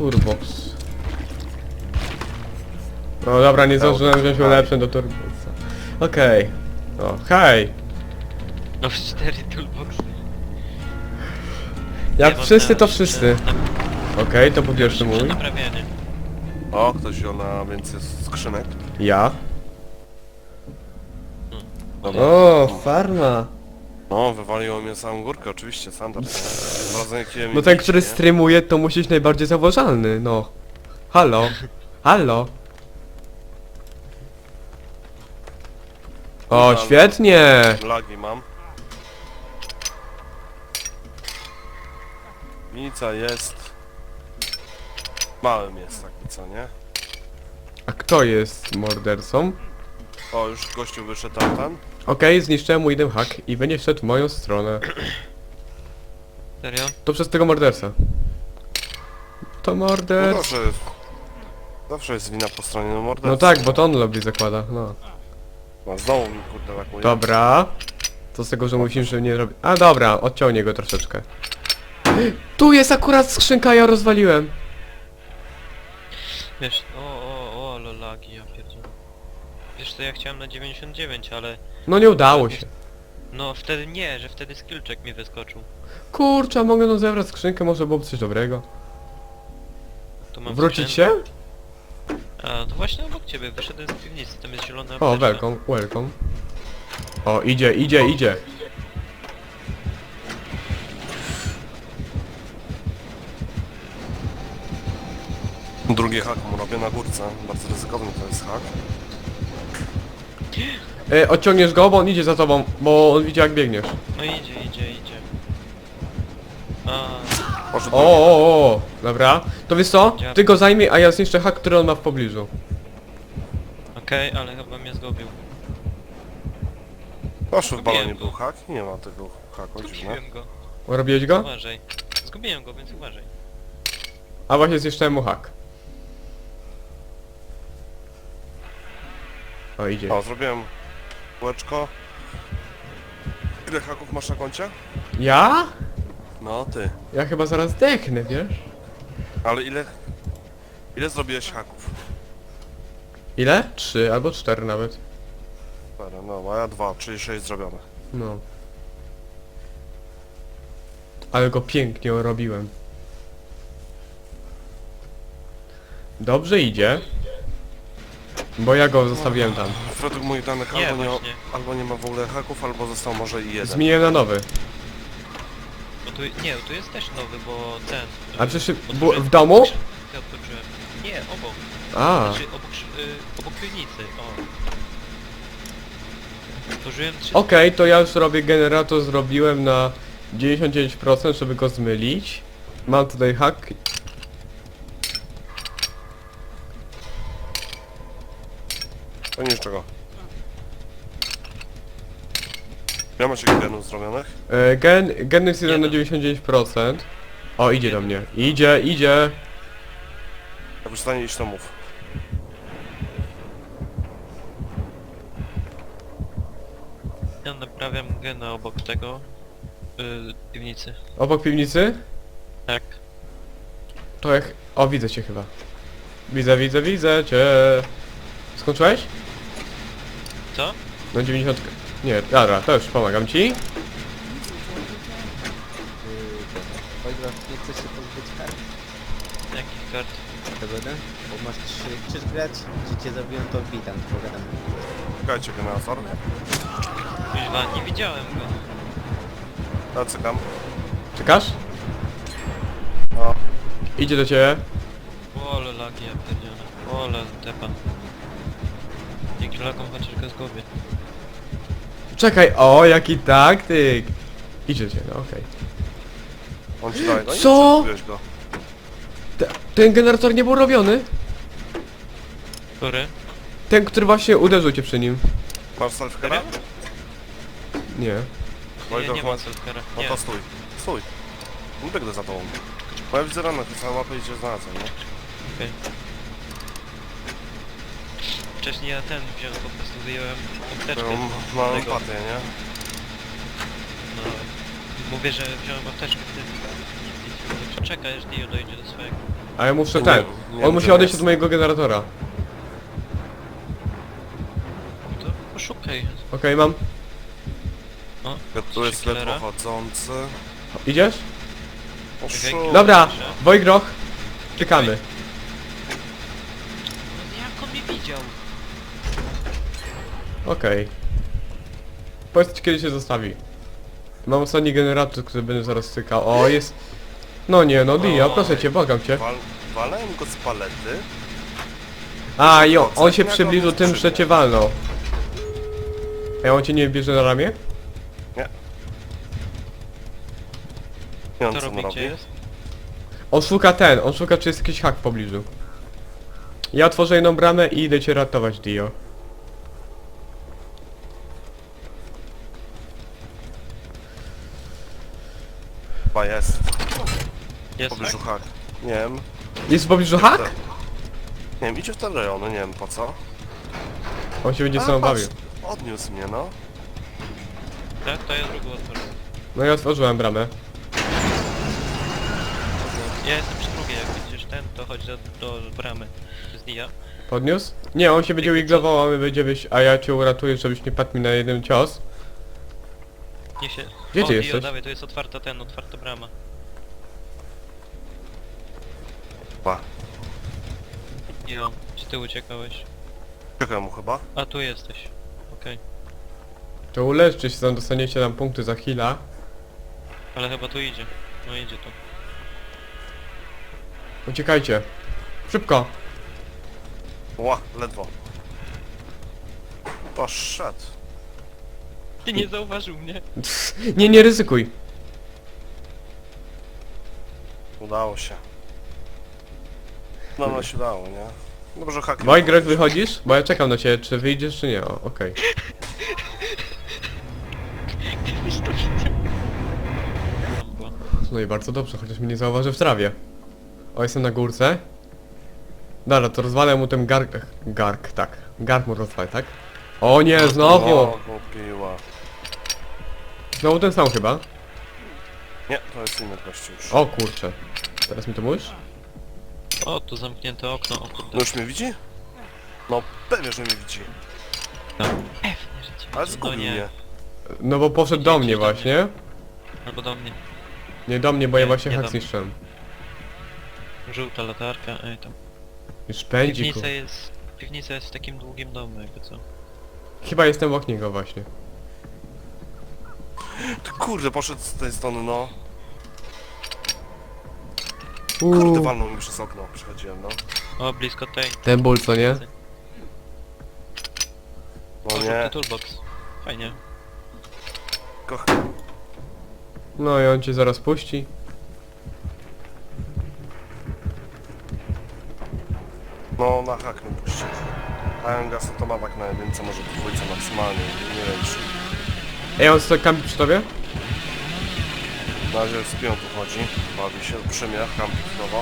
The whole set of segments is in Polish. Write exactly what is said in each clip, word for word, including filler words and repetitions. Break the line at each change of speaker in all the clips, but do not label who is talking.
Turbox. No dobra, nie zdążyłem wziąć ulepszeń do Turboxa. Okej. Okay. O, hej!
No w cztery toolboxy.
Jak
Nie,
wszyscy,
można
to wszyscy.
na-
Okej, okay, to po pierwsze
Przed
mój.
naprawianie.
O, ktoś wziął na więcej skrzynek.
Ja.
Dobra.
O, farma.
No, wywaliło mnie samą górkę, oczywiście, standard. nie?
No ten, który streamuje, to musi być najbardziej zauważalny, no. Halo? Halo? O,
Mam.
świetnie!
Lagi mam. Nica jest... Małym jest taki, co nie?
A kto jest mordercą?
O, już gościu wyszedł tam, ten.
Okej, zniszczyłem mu jeden hack i będzie szedł w moją stronę.
Serio?
To przez tego morderca. To
No
morderca.
zawsze jest... Zawsze jest wina po stronie no mordercy.
No tak, bo to on lobby zakłada, no.
No, znowu mi kurde lakuje.
Dobra. To z tego, że musimy, że nie robi... A dobra, odciągnie go troszeczkę. Tu jest akurat skrzynka, ja rozwaliłem.
Wiesz, o, o, o, lolagi, ja pierdzielę. Wiesz to ja chciałem na dziewięćdziesiąt dziewięć, ale...
No nie udało się.
No wtedy nie, że wtedy skillczek mi wyskoczył.
Kurczę, a mogę no zebrać skrzynkę, może byłoby coś dobrego.
Tu mam
Wrócić
skrzynkę.
się?
A, to właśnie obok ciebie, wyszedłem z piwnicy, tam jest zielona
O,
apteczka.
welcome, welcome. O, idzie, idzie, idzie.
Drugie hak mu robię na górce. Bardzo ryzykowny to jest hak.
E, odciągniesz go, bo on idzie za tobą, bo on widzi jak biegniesz.
No idzie, idzie, idzie. A,
Poszedł
O, o, o, dobra. To wiesz co?
Działa.
Ty go zajmij, a ja zniszczę hak, który on ma w pobliżu.
okej, okay, ale chyba mnie zgubił.
Proszę, w balonie
Zgubiłem
był
go.
hak? Nie ma tego haku, dziwne.
Zgubiłem go.
Robiłeś go?
Uważaj. Zgubiłem go, więc uważaj.
A właśnie zniszczyłem mu hak. O, idzie.
O, zrobiłem kółeczko. Ile haków masz na koncie?
Ja?
No, ty.
Ja chyba zaraz dechnę, wiesz?
Ale ile... Ile zrobiłeś haków?
Ile? Trzy albo cztery nawet.
Dobra, no, a ja dwa, czyli sześć zrobione.
No. Ale go pięknie robiłem. Dobrze idzie. Bo ja go zostawiłem tam.
Według moich danych
Nie,
albo, nie,
właśnie.
albo nie ma w ogóle haków, albo został może i jeden.
Zmieniłem na nowy.
Bo tu, nie, tu jest też nowy, bo ten...
A
y,
przecież
otworzyłem-
w domu?
Ja otworzyłem. Nie, obok.
A.
Znaczy obok, sz- y, obok piwnicy, o. Otworzyłem trzy...
Okej, to ja już robię generator, zrobiłem na dziewięćdziesiąt dziewięć procent, żeby go zmylić. Mam tutaj hack.
To niczego. Ja macie genów zrobionych?
E, gen, gen jest jeden na
Jeden.
dziewięćdziesiąt dziewięć procent. O, idzie do mnie. Idzie, idzie.
Jak już stanie iść, to mów.
Ja naprawiam gena obok tego... Y, piwnicy.
Obok piwnicy?
Tak.
To jak... O, widzę cię chyba. Widzę, widzę, widzę cię. Skończyłeś?
Co?
No dziewięćdziesiąt... Nie, dobra, to już pomagam ci.
Oliver, nie chcesz się pozbyć kart?
Jakich kart?
Dogodę? Bo masz trzy, chcesz grać? Czy cię zabiją, to witam, pogadamy.
Czekajcie, generator.
Kuźwa, nie widziałem go.
Ja cykam.
Czekasz?
No.
Idzie do ciebie.
Ole lagi, ja pierdzielę. Ole tepa. Dzięki lagom chociaż go zgubię.
Czekaj, o, jaki taktyk. Idzie do ciebie, no okej.
On ci daje. No i
Co?
zgubiłeś go.
Te- Ten generator nie był robiony?
Który?
Ten, który właśnie uderzył cię przy nim.
Masz selfcare'a?
Nie.
Nie,
Wojtek,
nie
ma-
ma selfcara.
No
Nie.
to stój. Stój. Nie biegnę za tobą. Bo ja widzę ranę, to całą mapę idzie znalazłem, nie?
Okej. Wcześniej ja ten wziąłem, po prostu wyjąłem apteczkę
Mam,
z
mam
tego.
empatię, nie?
No, mówię, że wziąłem apteczkę wtedy. Nic, nic, nic. Czekaj, aż Dio dojdzie do swojego.
A ja muszę
Nie,
ten.
nie wiem,
On musi
że
odejść
jest.
od mojego generatora.
To poszukaj.
Okej, mam.
O,
Tu jest
Killera.
ledwo chodzący.
Idziesz?
Poszu...
Dobra, Wojgroch. Czekamy.
No jak on mnie widział?
Okej. Powiedzcie kiedy się zostawi. Mam ostatni generator, który będę zaraz stykał. O, jest... No nie, no Dia, proszę cię, błagam cię.
Wal... Walałem go z palety.
A, jo, on się
Jak
przybliżył
on
tym,
skrzydło.
że cię walnął. A on cię nie bierze na ramię?
Nie. Nie, on
Co
co on
robi,
robi?
gdzie jest?
On szuka ten, on szuka czy jest jakiś hak w pobliżu. Ja otworzę jedną bramę i idę cię ratować, Dio.
Chyba jest. W
Jest
pobliżu
tak?
hak. Nie wiem.
Jest w pobliżu hak?
Nie wiem, idzie w te rejony, nie wiem po co.
On się będzie
A,
sam
patrz,
bawił.
Odniósł mnie, no.
Tak, to ja drugą otworzę.
No ja otworzyłem bramę.
Ja jestem przy drugiej, jak widzisz ten, to chodź do, do bramy. Z Dia.
Podniósł? Nie, on się będzie wiglował, a my będziemy... A ja cię uratuję, żebyś nie padł mi na jeden cios.
Nie się...
Gdzie
o,
ty
Dio,
jesteś?
dawaj, to jest otwarta ten, otwarta brama.
Pa.
Dio, czy ty uciekałeś?
Czekaj mu chyba.
A tu jesteś. Okej.
To uleczcie się, tam dostaniecie nam punkty za heala.
Ale chyba tu idzie. No idzie tu.
Uciekajcie. Szybko.
Ła, ledwo. Poszedł.
Ty nie zauważył mnie.
Nie, nie ryzykuj.
Udało się. No, no się udało, nie? Dobrze, hak.
Wojgrek, wychodzisz? Bo ja czekam na ciebie, czy wyjdziesz, czy nie. O, okej.
Gdybyś to widział.
No i bardzo dobrze, chociaż mnie nie zauważy w trawie. O, jestem na górce. Dobra, to rozwalę mu ten gark... Gark, tak. Gark mu rozwalę, tak? O nie, znowu!
Znowu piła.
Znowu ten sam chyba.
Nie, to jest inny gościu już.
O kurczę. Teraz mi to mówisz?
O, tu zamknięte okno, o kurde.
No już mnie widzi? No pewnie, że mnie widzi.
F, nie życie.
Ale
No
zgubił
nie.
mnie.
No bo poszedł do
Jedź
mnie
do mnie.
właśnie.
Albo do mnie.
Nie do mnie, bo ja
Nie,
właśnie
nie
hak
do mnie.
zniszczyłem.
Żółta latarka, ej tam.
Już pędzi ku...
Piwnica jest... Piwnica jest w takim długim domu, jakby co.
Chyba jestem obok niego właśnie.
Ty kurde, poszedł z tej strony, no. Kurde,
Uuu.
walnął mi przez okno, przechodziłem, no.
O, blisko tej.
Ten ból, co nie?
No
O,
nie,
żółty toolbox. Fajnie.
koch...
No i on cię zaraz puści.
No, na hak mnie puścił. Mają gaz, to ma tak na jedynce, może w dwójce maksymalnie, nie wiem czy...
Ej, on stoi kampi przy tobie?
Na razie z pią tu chodzi, bawi się przy mnie, kampi znowu.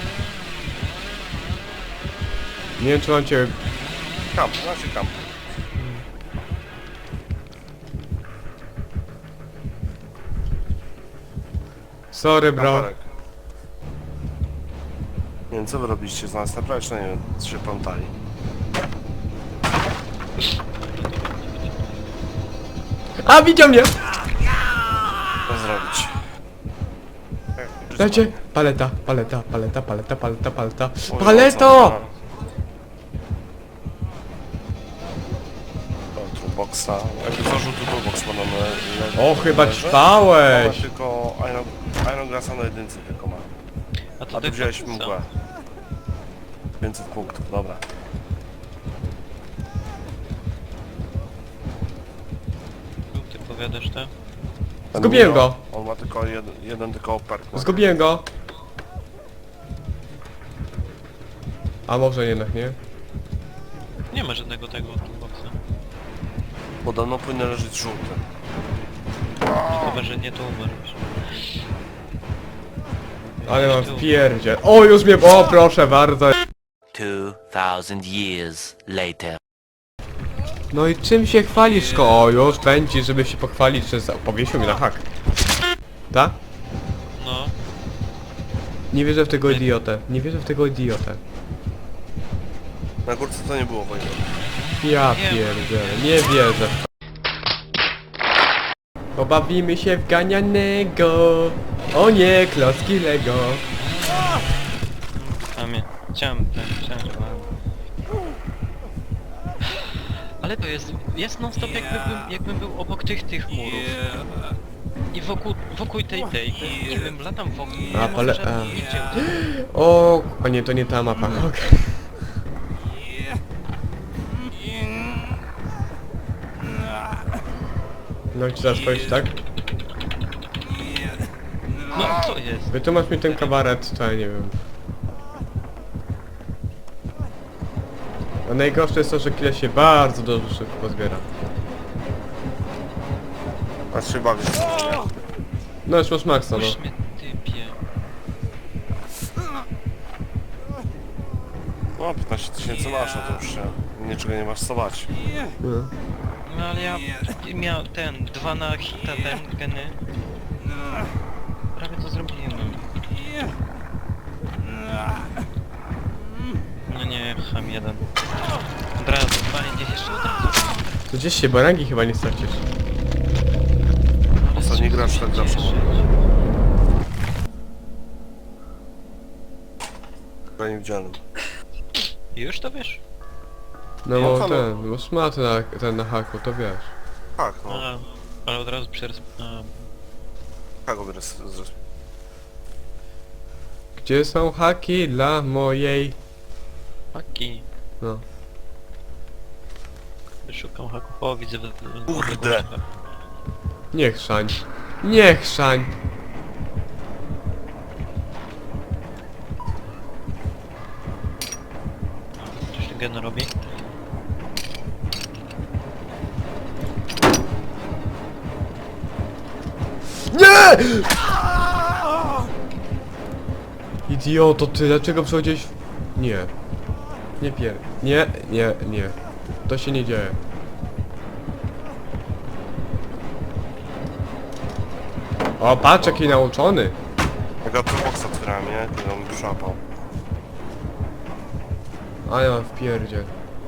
Nie wiem, czy on cię...
Kamp, na razie kamp.
Sorry, bro.
Kamperek. Nie wiem, co wy robiliście z nas, naprawdę nie wiem, co się plątali.
A, widział mnie!
Co zrobić?
Dajcie. Paleta, paleta, paleta, paleta, paleta, paleta.
Oj,
Paleto!
mocno, no. O, toolboxa. Jakby zażył tu toolbox, bo nam le, le,
O, chyba
leży.
ćpałeś!
Ale tylko Iron, Iron Grassa na jedynce tylko ma.
A
A
to
tu wziąłeś mgłę. pięćset punktów, dobra.
Ty powiadasz te?
Ten
Zgubiłem
Miro,
go.
On ma tylko jeden, jeden tylko perk. ma.
Zgubiłem go. A może jednak nie?
Nie ma żadnego tego toolboxa.
Podobno powinien leżeć żółty.
No chyba, że nie tu umarłeś.
Ale
Nie
mam
tu.
w pierdzie. O, już mnie... O, proszę bardzo.
Two thousand years later.
No i czym się chwalisz, ko? O, już pędzi, żeby się pochwalić, że za- powiesił mnie na hak. Tak?
No.
Nie wierzę w tego idiotę. Nie wierzę w tego idiotę.
Na górce to nie było wojny.
Ja
Nie.
pierdzielę, nie wierzę. Pobawimy się w ganianego. O nie, klocki Lego.
A mnie. Chciałem ten, chciałem, że mam. Ale to jest, jest non stop jakby bym, jakbym był obok tych, tych murów. I wokół, wokół tej, tej, nie wiem, latam wokół, nie
A,
ma
ale-
żadnych
a.
nigdzie.
O, a nie, to nie ta mapa. Okej. No i teraz powiedzieć tak?
No co jest?
Wytłumacz mi ten kabaret, to ja nie wiem. A najgorsze jest to, że kile się bardzo dobrze szybko zbiera.
A się bawisz w to, nie?
No już masz maksa, no.
Puść mnie, typie.
No, piętnaście tysięcy masz, no to już się niczego nie masz co bać.
No.
No ale ja miał ten, dwa na hita, ten, geny. Prawie to zrobiłem. No nie, ham jeden. Od razu, panie, gdzieś jeszcze od razu.
To gdzieś się barangi chyba nie stracisz.
Ale
Co nie
co
grasz,
się
tak grasz.
cieszyć?
Chyba niewidzialnym.
Już to wiesz?
No
No
bo
to no.
ten, bo smaty na, ten na haku, to wiesz.
Tak, no.
A, ale od razu przers... A,
Tak, go z, z,
Gdzie są haki dla mojej...
haki.
No.
Szukam haków. O, widzę... w- w-
Kurde.
Niech szań. Niech szań.
Coś ten gen robi?
Nie! Idioto ty, dlaczego przechodziłeś w... Nie. Nie pier... Nie, nie, nie. To się nie dzieje. O, patrz jaki nauczony.
ja tu boxa otwierałem, nie? Kiedy on przyłapał.
A ja mam w pierdzie.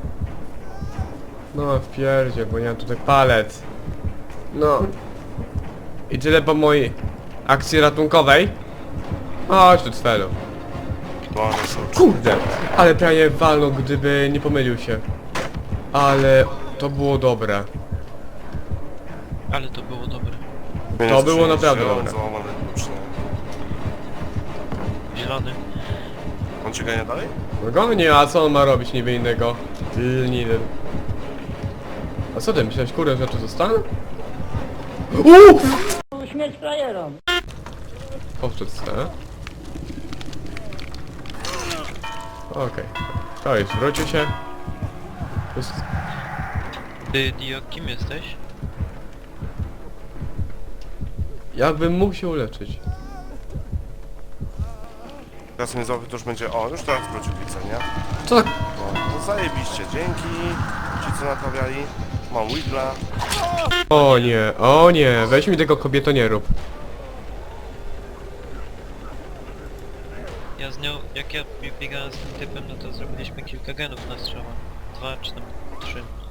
No w pierdzie, bo nie mam tutaj palet. No. I tyle po mojej akcji ratunkowej. Chodź tu cfelu.
Bo one są...
Kurde! Ale prawie walnął, gdyby nie pomylił się. Ale to było dobre.
Ale to było dobre.
To było naprawdę dobre.
Załamany klucz, nie?
Zielony.
On cię gania dalej?
No go nie, a co on ma robić niby innego? Tylny. A co ty, myślałeś kurde, że tu zostanę? Uuu!
Śmierć frajerom.
Powtórzę. Okej. To jest, wrócił się. Jest...
Ty, Dio, kim jesteś?
Jakbym mógł się uleczyć.
Teraz mnie złapie, to już będzie... O, już teraz wrócił widzę, nie?
Co tak?
No, to zajebiście, dzięki. Ci co naprawiali. Mam Wiggla.
O nie, o nie, weź mi tego kobieto nie rób.
Ja z nią, jak ja biegałem z tym typem, no to zrobiliśmy kilka genów na strzała. Dwa czy tam trzy.